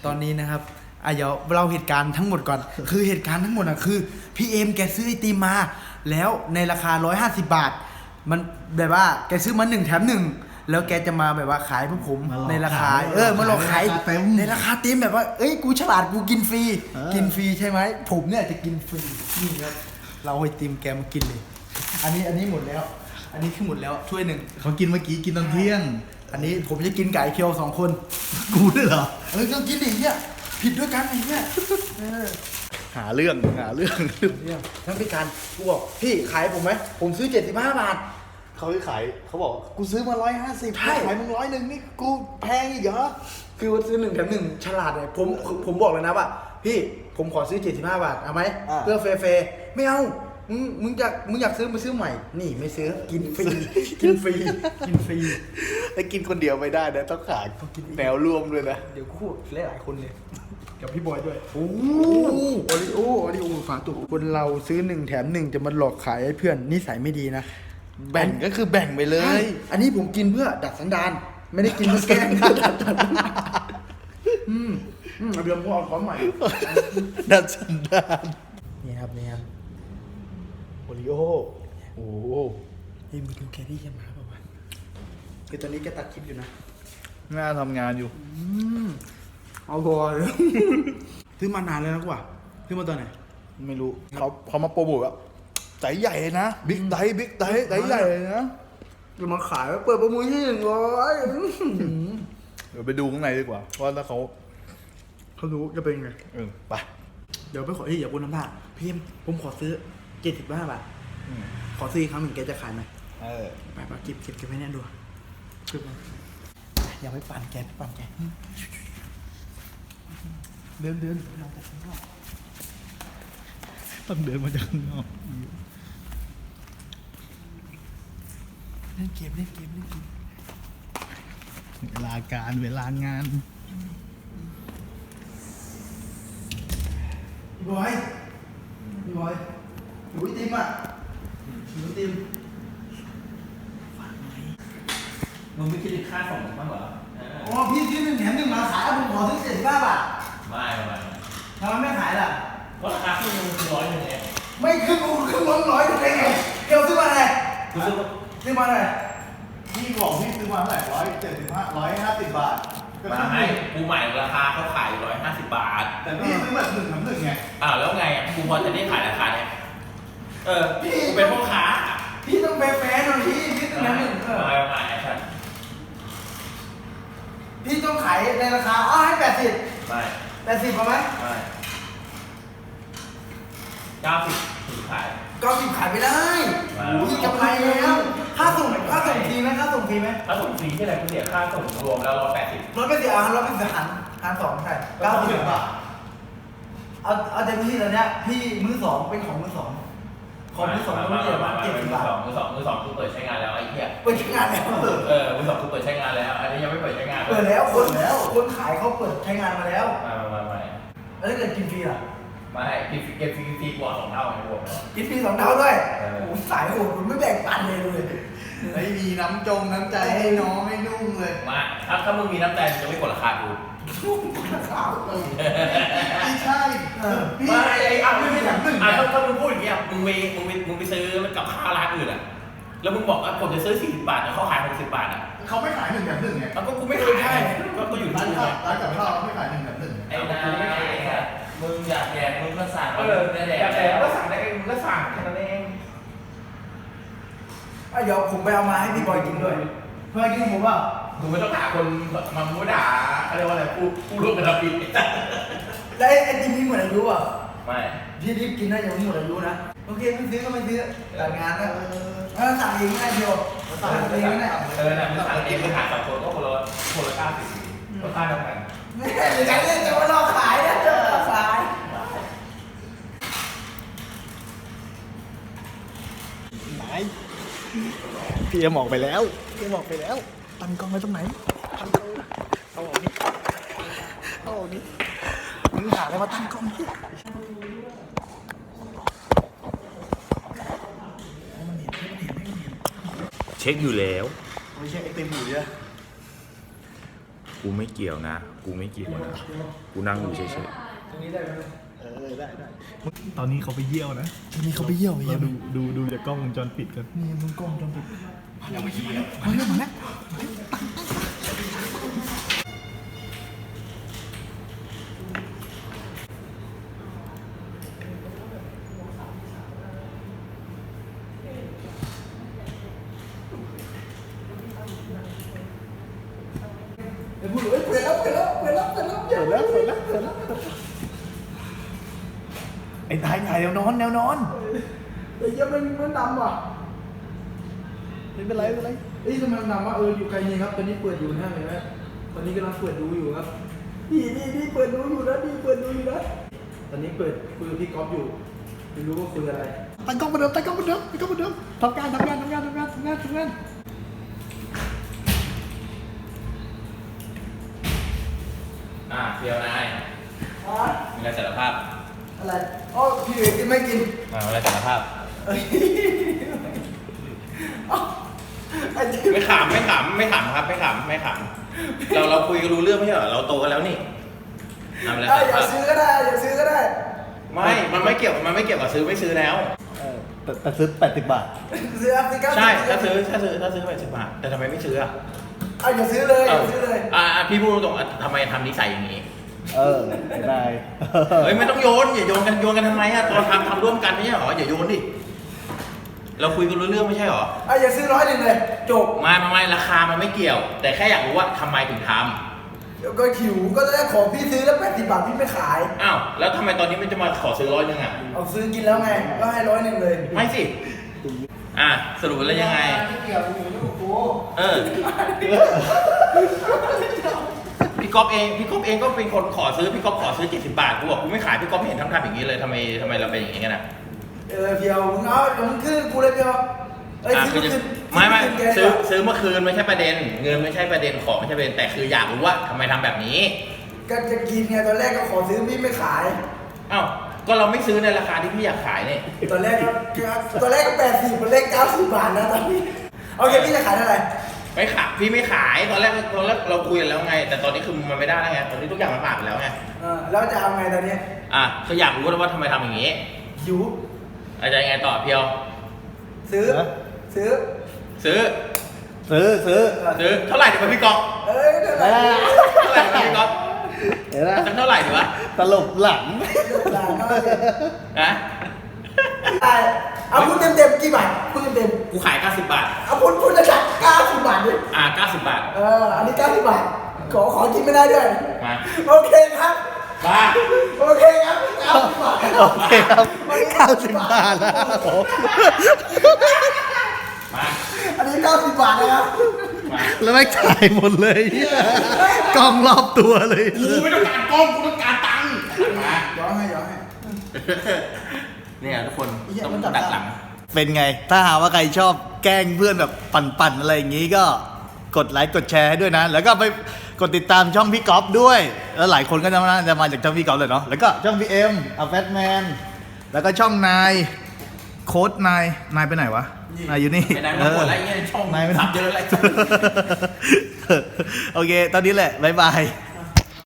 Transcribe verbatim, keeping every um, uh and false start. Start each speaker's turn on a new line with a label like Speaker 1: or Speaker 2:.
Speaker 1: ตอนนี้นะครับอ่ะเดี๋ยวเราเหตุการณ์ทั้งหมดก่อนคือเหตุการณ์ทั้งหมดอ่ะคือพี่เอ็มแกซื้อไอติมมาแล้วในราคาหนึ่งร้อยห้าสิบบาทมันแบบว่าแกซื้อมาหนึ่งแถมหนึ่งแล้วแกจะมาแบบว่าขายพวกผมในราคาเออมาหลอกขายในราคาเต็มแบบว่าเอ้ยกูฉลาดกูกินฟรีกินฟรีใช่ไหมผมเนี่ยจะกินฟรีนี่ครับเราไอติมแกมากินเลยอันนี้อันนี้หมดแล้วอันนี้คือหมดแล้วถ้วยหนึ่ง
Speaker 2: เขากินเมื่อกี้กินตอนเที่ยง
Speaker 1: อันนี้ผมจะกินไก่เคียวสองคน
Speaker 2: กูด้วยเหรอ
Speaker 1: เออต้องกินดิเนี่ยผิดด้วยกันไอ้เนี่ยเออ
Speaker 2: หาเรื่องหาเรื่อง
Speaker 1: เนี่ยทั้งพิการกูบอกพี่ขายผมไหมผมซื้อเจ็ดสิบห้าบาท
Speaker 2: เขาขายเขาบอกกูซื้อมาร้อยห้าสิบ
Speaker 1: ใช่
Speaker 2: ขายมึงร้อยหนึ่งนี่กูแพงอีกเหรอ
Speaker 1: คือว่าซื้อหนึ่งแถมหนึ่งฉลาดเลยผมผมบอกเลยนะว่าพี่ผมขอซื้อเจ็ดสิบห้าบาทเอาไหมเพื่อเฟเฟไม่เอามึงมึงอยากมึงอยากซื้อมาซื้อใหม่นี่ไม่ซื้อกินฟรีกินฟรีกินฟรี
Speaker 2: แต่กินคนเดียวไม่ได้นะต้องขายแนวร่วมด้วยนะ
Speaker 1: เดี๋ยวคู่หลายหลายคนเลยกับพี่บอยด้วยโอ้โอริโอโอริโอฝาตุกคนเราซื้อหนึ่งแถมหนึ่งจะมาหลอกขายให้เพื่อนนิสัยไม่ดีนะ
Speaker 2: แบ่งก็คือแบ่งไปเล
Speaker 1: ใช่
Speaker 2: ย
Speaker 1: อันนี้ผมกินเพื่อดัดสันดานไม่ได้กินเพื่อแกล้งดัดดัดดัดอืมอืมเดี๋ยวผมเอาของใหม่
Speaker 2: ดัดสันดาน
Speaker 1: นี่ครับนี่ครับ
Speaker 2: โอริโอโอ้โห
Speaker 1: เฮ้ยมึงดูแครี่จะมาเปล่าวะคือตอนนี้แกตัดคลิปอยู่นะ
Speaker 2: น่าทำงานอยู่
Speaker 1: อืมเอาบอย ซื้อมานานแล้วนะกูอ่ะซื้อมาตอนไหน
Speaker 2: ไม่รู้เขาเขามาโปรโมทว่าไตใหญ่เลยนะบิ๊กไตบิ๊กไตไตใหญ่เลยนะ
Speaker 1: จะมาขายเปิดประมูลที่หนึ่งร้อย
Speaker 2: เดี๋ยวไปดูข้างในดีกว่าว่าถ้าเขา
Speaker 1: เขารู้จะเป็นไง
Speaker 2: เออไป
Speaker 1: เดี๋ยวไปขอที่อย่าพูดน้ำผ้าพี่เอ็มผมขอซื้อเจ็ดสิบห้าบาท
Speaker 2: อืม
Speaker 1: ขอซื้ออีกครั้งหนึ่งแกจะขายไหม
Speaker 2: เออ
Speaker 1: ไปไปเก็บเก็บเก็บไว้แน่ดูเก็บไว้อย่าไปปั่นแกไปปั่นแกเดินเดินเราจะข้างนอก
Speaker 2: ต้องเดินมาจากข้างนอก
Speaker 1: เล่นเกมเล่นเกมเล่นเกม
Speaker 2: เวลาการเวลางาน
Speaker 1: พี่บอยพี่บอยหนูไอติมอ่ะหนูไอติม
Speaker 3: มึงไม่คิดถึงค่าส่งบ้างเหรอ
Speaker 1: อ๋อพี่ซื้อหนึ่งแถมหนึ่งมาขายผมขอซื้อเจ็ดสิบห้าบาท
Speaker 3: ไม่ไม่
Speaker 1: ทำไมไม่ขายล่ะ
Speaker 3: เพราะราคาที่มึงคือร้อยหนึ่งเอง
Speaker 1: ไม่ขึ้นกูขึ้นร้อยร้อยได้ไงเดี๋ยวซื้อมาไหน
Speaker 3: กูซื้อ
Speaker 1: ซื้อมาไหน
Speaker 2: พี่บอกพี่ซื้อมาเท่าไหร่ร้อยเจ็ดสิบห้าร้อยห้าสิบบาท
Speaker 3: มาให้กูใหม่ราคาเขาขายร้อยห้าสิบบาท
Speaker 2: แต่พี่ซื้อแบบหนึ่งทำหนึ่งไง
Speaker 3: อ้าวแล้วไงอ่ะกูพอจะได้ขายราคาเนี้ยเออกูเป็นพ่อค้า
Speaker 1: พี่ต้องแฟร์ๆหน่อยพี่พี่ต้องแถมหนึ่งเออ
Speaker 3: ไม่ไม่ไอ้ฉัน
Speaker 1: พี่ต้องขายในราคาอ้าวให้แปดสิบ
Speaker 3: ไม่
Speaker 1: แปดสิบพอไหม
Speaker 3: ไม่เก้าสิบถึงขาย
Speaker 1: เก้าสิบขายไม่ได้โอ้ยกำไรแล้วค่าส่งค่าส่งฟรีไหมค่าส่งฟรีไหม
Speaker 3: ถ้าส่งฟรีที่ไหนกูเสียค่าส่งรวมแล้วร้อยแปดสิบ
Speaker 1: ร้อยเป็นสิบอ่ะร้อยเป็นสิบหันหันสองใช่เก้าสิบบาทเอาเอาเต็มที่ตอนเนี้ยพี่มือสองเป็นของมือสองของมือสองต้องเรียกว่าเจ็ดสิบบาท
Speaker 3: มือสองมือสองกูเปิดใช้งานแล้วไอ้เหี้ย
Speaker 1: เปิดใช้งานแล้ว
Speaker 3: เออมือสองกูเปิดใช้งานแล้ว อันนี้ยังไม่เปิดใช้งาน
Speaker 1: เปิดแล้วคนแล้วคนขายเขาเปิดใช้งานมาแล้ว
Speaker 3: ไม่ไม่ไม่
Speaker 1: แล้วถ้าเกิดกินฟรีล่ะ
Speaker 3: ไม่กินเก็บฟรีฟรีกว่าสองเท่าไงรวมแล้ว
Speaker 1: กินฟรีสองเท่าด้วย
Speaker 3: เออ
Speaker 1: โอ้โหสายโหดคุณไม่แบ่งปันเลยเลย
Speaker 2: ไม่มีน้ำจงน้ำใจให้น้องให้นุ่งเลย
Speaker 3: มาถ้าถ้ามึงมีน้ำใจมึงจะไม่กดราคากู
Speaker 1: ขาวเออ
Speaker 2: ไม่ใช่
Speaker 1: เออ
Speaker 2: พี่
Speaker 3: ไม่ไอ้อ่ะมึง
Speaker 2: ไม่
Speaker 3: ไม่
Speaker 2: ถามหนึ่ง
Speaker 3: อ่ะถ้าถ้ามึงพูดอย่างเงี้ยมึงไปมึงไปมึงไปซื้อกับข้าวร้านอื่นอ่ะแล้วมึงบอกว่าผมจะซื้อสี่สิบบาทแต่เขาขายหกสิบบาทอ่ะ
Speaker 2: เขาไม่ขายหนึ่งแถมหนึ่งไง
Speaker 3: แล้วก็กูไม่เคยได้ก็ก็อยู่
Speaker 2: ร้าน
Speaker 3: ที่
Speaker 2: ข้าว
Speaker 3: ไง
Speaker 2: ร้านกับข้าวไม่ขายหนึ่งแถมหนึ่ง
Speaker 4: ไอ้นายมึงอยากแดกมึงก็สั่ง
Speaker 3: เออแต่แต่ก็สั่งได้มึงก็สั่งแค่นั้นเอง
Speaker 1: อ่ะเดี๋ยวผมไปเอามาให้พี่บอยกินด้วยเพื่อกินผมว่า
Speaker 3: มึงไม่ต้องด่าคนมามึงไม่ด่าเขาเรียกว่าอะไรผู้ผู้ร่วมกระทำผิด
Speaker 1: แล้วไอ้ไอติมพี่หมดอายุอ่ะ
Speaker 3: ไม่
Speaker 1: พี่รีบกินนะอย่าหมดอายุนะโอเคไม่ซื้อก็ไม่ซื้อตัดงานนะเออสั่งเองง่ายเดียวสั่งเองง่าย
Speaker 3: เออเนี่ยมึงสั่งเองมึงหาสองคนก็คนละคนละเก้าสิบก็ค่าเท่ากัน
Speaker 1: ไม่ใช่หรือไงเนี่ยจะมาลอกขายนะเจอขาย
Speaker 2: ไหนพี่เอ็มออกไปแล้วพี่เอ็มออกไปแล้วตั้งกล้องไว้ตรงไหนตั้งกล้องเอาออกนี่เอาออกนี่มึงหาอะไรมาตั้งกล้องนี่
Speaker 3: เช็คอยู่แล้ว
Speaker 2: ไม่ใช่ไอติมอยู่เนี่ย
Speaker 5: กูไม่เกี่ยวนะ กูไม่เกี่ยวนะ กูนั่งอยู่เฉย
Speaker 1: ตรงนี้ได้ไหม
Speaker 2: เออได้ได้ตอนนี้เขาไปเยี่ยวนะ
Speaker 1: ตรงนี้เขาไปเยี่ยว
Speaker 2: เราดูดูดูจากกล้องวงจรปิดกัน
Speaker 1: นี่มึงกล้องจอมปิด
Speaker 3: ๆยังไม่เยี่ยม
Speaker 1: มาแล้วมาแล้ว เปิดแล้วเปิดแล้วเปิดแล้วเปิดแล้วเปิดแล้ว
Speaker 2: เสร็จแล้วเสร็จแล้วเสร็จแล้วไอ้ตายถ่ายแนวนอนแนวนอน
Speaker 1: ไอ้เหี้ยมันมันดำว่ะ
Speaker 2: ไม่เป็นไรไม่เป็นไร
Speaker 1: เอ้ยทำไมมันดำวะเอออยู่ไกลนี่ครับตอนนี้เปิดอยู่นะเห็นไหมตอนนี้กำลังเปิดดูอยู่ครับนี่นี่นี่เปิดดูอยู่นะนี่เปิดดูอยู่นะตอนนี้เปิดคุยกับพี่ก๊อฟอยู่ไม่รู้ว่าคุยอะไร
Speaker 2: ตั้งกล้องเหมาเดิมตั้งกล้องเหมาเดิมตั้งกล้องเหมาเดิมทำงานทำงานทำงานทำงานทำงานทำงาน
Speaker 3: อ่ะเพียวนาย
Speaker 1: อ่ะ
Speaker 3: มีอะไรสารภาพ
Speaker 1: อะไรอ๋อพี่เอกกินไม่กิน
Speaker 3: อ่ามีอะไรสารภาพ
Speaker 1: เอ้ยอ๋อไอ้เจ๊
Speaker 3: ไม่ขำไม่ขำไม่ขำครับไม่ขำไม่ขำเราเราคุยกันรู้เรื่องไม่ใช่เหรอเราโตกันแล้วนี่ทำอะไร
Speaker 1: เอ้ย
Speaker 3: สาร
Speaker 1: อย่า
Speaker 3: ภาพ
Speaker 1: ซื้อก็ได้อย่าซื้อก็ได้
Speaker 3: ไม่มันไม่เกี่ยวมันไม่เกี่ยวกับซื้อไม่ซื้อแล้ว
Speaker 2: เออแต่แต่ซื้อแปดสิบบาท
Speaker 1: ซื้ออ่ะซื้อก็
Speaker 3: ใช่ถ้าซื้อถ้าซื้อถ้าซื้อไปสิบบาทแต่ทำไมไม่ซื้ออ่ะ
Speaker 1: อ่ะอย่าซื้อเลยอย่าซื้อเลย
Speaker 3: อ่าพี่พูดตรงๆอ่ะทำไมทำนิสัยอย่างนี้
Speaker 2: เออไม่ได้
Speaker 3: เฮ้ยไม่ต้องโยนอย่าโยนกันโยนกันทำไมอ่ะตอนทำทำร่วมกันไม่ใช่เหรออย่าโยนดิเราคุยกันรู้เรื่องไม่ใช่เหรอ
Speaker 1: อ่ะอย่าซื้อร้อยหนึ่งเลยจบ
Speaker 3: ไม่ไม่ไม่ราคามันไม่เกี่ยว แต่แค่อยากรู้ว่าทำไมถึงท
Speaker 1: เดี๋ยวก็หิวก็ได้ของพี่ซื้อแล้วแปดสิบบาทพี่ไม่ขาย
Speaker 3: ำอ้าวแล้วทำไมตอนนี้มันจะมาขอซื้อร้อยหนึ่งอ่ะ
Speaker 1: เอาซื้อกินแล้วไงก็ให้ร้อยหนึ่งเลย
Speaker 3: ไม่สิอ่ะสรุปแล้วยังไง
Speaker 1: ไม่เกี่ยวอยู่ลูกกู
Speaker 3: เออพี่ก๊อฟเองพี่ก๊อฟเองก็เป็นคนขอซื้อพี่ก๊อฟขอซื้อเจ็ดสิบบาทกูบอกกูไม่ขายพี่ก๊อฟไม่เห็นทำทำอย่างนี้เลยทำไมทำไมเราเป็นอย่างนี้กันอ่ะ
Speaker 1: เออเพียวมึงเอาเดี๋ยวมึงขึ้นกูเลยเพียวเอ้ย
Speaker 3: อ่ะ
Speaker 1: ซื้อ
Speaker 3: คือจะ
Speaker 1: คืน
Speaker 3: ไม่ไม่
Speaker 1: คืนแก
Speaker 3: ซื้อ
Speaker 1: ดีกว่า
Speaker 3: ซื้อเมื่อคืนไม่ใช่ประเด็น เงินไม่ใช่ประเด็นของไม่ใช่ประเด็นแต่คืออยากรู้ว่าทำไมทำแบบนี้
Speaker 1: ก็จะกินไงตอนแรกก็ขอซื้อพี่ไม่ขาย
Speaker 3: อ้าวก็เราไม่ซื้อในราคาที่พี่อยากขายนี่
Speaker 1: ตอนแรกก็ตอนแรกก็แปดสิบตอนแรกเก้าสิบบาทนะตอนนี้โอเคพี่จะขายเท่าไหร่
Speaker 3: ไม่ขายพี่ไม่ขายตอนแรกตอนแรกเราคุยกันแล้วไง แต่ตอนนี้คือมันไม่ได้แล้วไงตอนนี้ทุกอย่างมันผ่านไปแล้วไง
Speaker 1: เออแล้วจะเอาไงตอนนี้
Speaker 3: อ่ะก็อยากรู้ว่าทำไมทำอย่างนี้
Speaker 1: หิว
Speaker 3: อาจจะยังไงต่อเพียว
Speaker 1: ซื้อ
Speaker 2: ฮะ
Speaker 1: ซื้อ
Speaker 3: ซื้อ
Speaker 2: ซื้อซื้อ
Speaker 3: ซื้อเท่าไหร่ดีวะพี่ก๊อฟ
Speaker 1: เอ้ยเท่าไหร่
Speaker 2: อ่า
Speaker 3: เท่าไหร่ดีวะพี่ก๊อฟ
Speaker 2: เห็นไหม
Speaker 3: สักเท่าไหร่ดีวะ
Speaker 2: ตลบหลัง
Speaker 1: หลานเอาเลย
Speaker 3: นะ
Speaker 1: ได้เอาพูดเต็มๆกี่บาทพูดเต็ม
Speaker 3: กูขายเก้าสิบบาท
Speaker 1: ๆเอาพูดพูดจะจัดเก้าสิบบาทดิ
Speaker 3: อ่ะเก้าสิบบาท
Speaker 1: เอออันนี้เก้าสิบบาทขอขอกินไม่ได้ด้วย
Speaker 3: มา
Speaker 1: โอเคครับ
Speaker 3: มา
Speaker 1: โอเคครับเก้าสิบบาท
Speaker 2: โอเคครับเก้าสิบบาทนะครับผม
Speaker 3: มา
Speaker 1: อันนี้เก้าสิบบาทนะครับ
Speaker 3: มา
Speaker 2: แล้วไม่จ่ายหมดเลยกล้องรอบตัวเลย
Speaker 3: กูไม่ต้องการกล้องกูต้องการตังค์มา
Speaker 1: ย้อนให้ย้อนให้
Speaker 3: เนี่ยทุกคน
Speaker 1: ไอ้เหี้ย
Speaker 3: ต้อง
Speaker 1: มันจับ
Speaker 3: ดักหลัง
Speaker 2: เป็นไง ถ้าหากว่าใครชอบแกล้งเพื่อนแบบปั่นๆอะไรอย่างนี้ก็กดไลค์กดแชร์ให้ด้วยนะ แล้วก็ไปกดติดตามช่องพี่ก๊อฟด้วย แล้วหลายคนก็จะมาจะมาจากช่องพี่ก๊อฟเลยเนาะ แล้วก็ช่องพี่เอ็มอัลแฟตแมน แล้วก็ช่องนายโค้ดนาย นายไปไหนวะ นายอยู่นี่
Speaker 3: ไปไหนมาหมดแล้วไอ้เงี้ยช่อง
Speaker 2: นายไปไหน
Speaker 3: สับเยอะอะไร
Speaker 2: โอเค ตอนนี้แหละ บ๊ายบาย